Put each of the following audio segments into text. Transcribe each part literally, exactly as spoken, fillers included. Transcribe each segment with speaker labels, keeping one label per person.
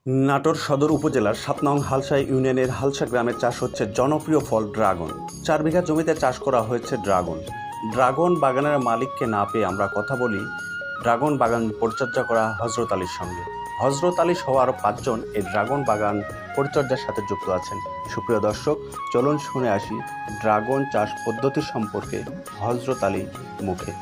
Speaker 1: নাটোর সদর উপজেলার সাত নং হালসা ইউনিয়নের হালসা গ্রামে চাষ হচ্ছে জনপ্রিয় ফল ড্রাগন। চার বিঘা জমিতে চাষ করা হয়েছে ড্রাগন। ড্রাগন বাগানের মালিককে না পেয়ে আমরা কথা বলি ড্রাগন বাগান পরিচর্যা করা হজরত আলীর সঙ্গে। হজরত আলী সহ আরও পাঁচজন এই ড্রাগন বাগান পরিচর্যার সাথে যুক্ত আছেন। সুপ্রিয় দর্শক, চলুন শুনে আসি ড্রাগন চাষ পদ্ধতি সম্পর্কে হজরত আলীর মুখে।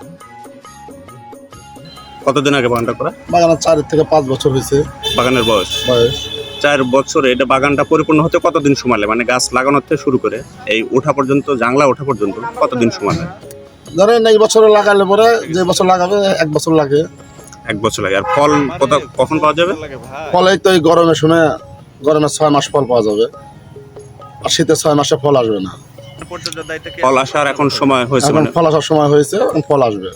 Speaker 1: কতদিন আগে বাগানটা করা?
Speaker 2: বাগানের চার থেকে পাঁচ বছর হয়েছে
Speaker 1: বাগানের বয়স
Speaker 2: বয়স।
Speaker 1: চার বছরে এটা বাগানটা পরিপূর্ণ হতে কতদিন সময় লাগে? মানে গাছ লাগানোর থেকে শুরু করে এই ওঠা পর্যন্ত, জাংলা ওঠা পর্যন্ত কতদিন সময় লাগে?
Speaker 2: ধরেন এই বছরে লাগালে পরে যে বছর লাগাবে এক বছর লাগে।
Speaker 1: এক বছর লাগে। আর ফল কত কখন পাওয়া যাবে?
Speaker 2: ফলে তো এই গরমে শুনে গরমে ছয় মাস ফল পাওয়া যাবে, আর শীতে ছয় মাসে ফল আসবে না।
Speaker 1: ফল আসার এখন সময় হয়েছে,
Speaker 2: এখন
Speaker 1: মানে
Speaker 2: ফল আসার সময় হয়েছে, এখন ফল আসবে।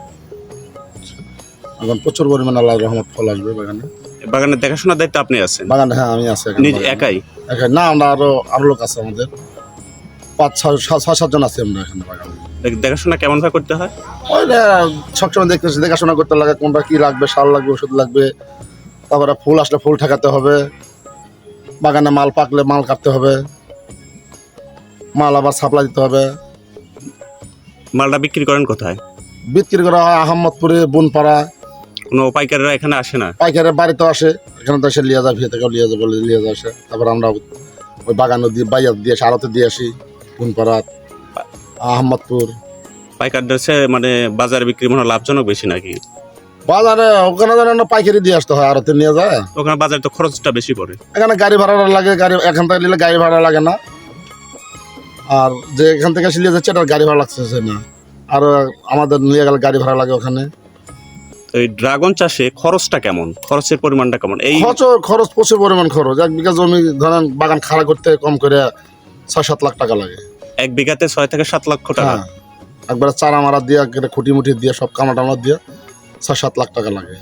Speaker 2: এখন প্রচুর পরিমাণে আল্লাহর রহমত ফল আসবে বাগানে।
Speaker 1: বাগানের দেখাশোনার দায়িত্ব আপনি আছেন?
Speaker 2: বাগানে হ্যাঁ আমি আছি
Speaker 1: নিজে একাই?
Speaker 2: একাই না, আমরা আরো আরো লোক আছে, আমাদের পাঁচ ছয় ছয় সাতজন আছি আমরা এখানে বাগানে।
Speaker 1: দেখাশোনা কেমন ভাবে করতে হয়?
Speaker 2: ওই সবসময় দেখতেছি, দেখাশোনা করতে লাগে, কোনটা কি লাগবে, সার লাগবে, ওষুধ লাগবে, তারপরে ফুল আসলে ফুল ঠেকাতে হবে, বাগানে মাল পাকলে মাল কাটতে হবে, মাল আবার সাপ্লাই দিতে হবে।
Speaker 1: মালটা বিক্রি করেন কোথায়?
Speaker 2: বিক্রি করা হয় আহমদপুরে, বুনপাড়া।
Speaker 1: কোনো পাইকাররা এখানে আসে না?
Speaker 2: পাইকারের বাড়িতেও আসে, এখানে তো এসে লিয়ে যায়, ভিয়ে থেকেও লিয়ে যায়, বলে লিয়ে যায় আসে। তারপর আমরা ওই বাগানে দিয়ে বাইয়ার দিয়ে আসি, আড়তে দিয়ে আসি, বুনপাড়া, আহমদপুর।
Speaker 1: পাইকারদের সে মানে বাজারে বিক্রি মনে হয় লাভজনক বেশি নাকি?
Speaker 2: বাজারে ওখানে যেন পাইকারি দিয়ে আসতে হয়, আড়তে নিয়ে যায়।
Speaker 1: ওখানে বাজারে তো খরচটা বেশি পড়ে।
Speaker 2: এখানে গাড়ি ভাড়া লাগে, গাড়ি এখান থেকে নিলে গাড়ি ভাড়া লাগে না, আর যে এখান থেকে এসে নিয়ে যাচ্ছে এটার গাড়ি ভাড়া লাগতেছে না, আর আমাদের নিয়ে গেলে গাড়ি ভাড়া লাগে ওখানে।
Speaker 1: এই ড্রাগন চাষে খরচটা কেমন? খরচের পরিমাণটা কেমন? এই
Speaker 2: খরচ খরচ প্রচুর পরিমাণ খরচ। এক বিঘা জমি ধরেন বাগান খাড়া করতে কম করে ছয় সাত লাখ টাকা লাগে।
Speaker 1: এক বিঘাতে ছয় থেকে সাত লক্ষ টাকা?
Speaker 2: হ্যাঁ, একবারে চারা মারা দিয়ে, খুঁটি মুটি দিয়ে, সব কামড়া টামড়া দিয়ে ছয় সাত লাখ টাকা লাগে।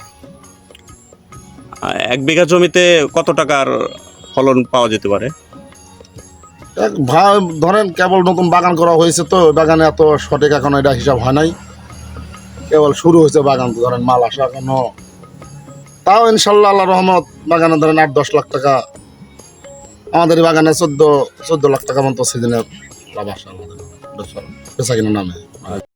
Speaker 1: এক বিঘা জমিতে কত টাকার ফলন পাওয়া যেতে পারে?
Speaker 2: এক ভাই ধরেন কেবল নতুন বাগান করা হয়েছে, তো বাগানে এত সঠিক এখন এটা হিসাব হয় নাই, কেবল শুরু হয়েছে বাগান, তো ধরেন মাল আসা এখনো, তাও ইনশাল্লাহ আল্লাহ রহমত বাগানে ধরেন আট দশ লাখ টাকা। আমাদের এই বাগানে চোদ্দ চোদ্দ লাখ টাকা মতো সিজনে লাভ আসে আমাদের বেচা কিনা নামে।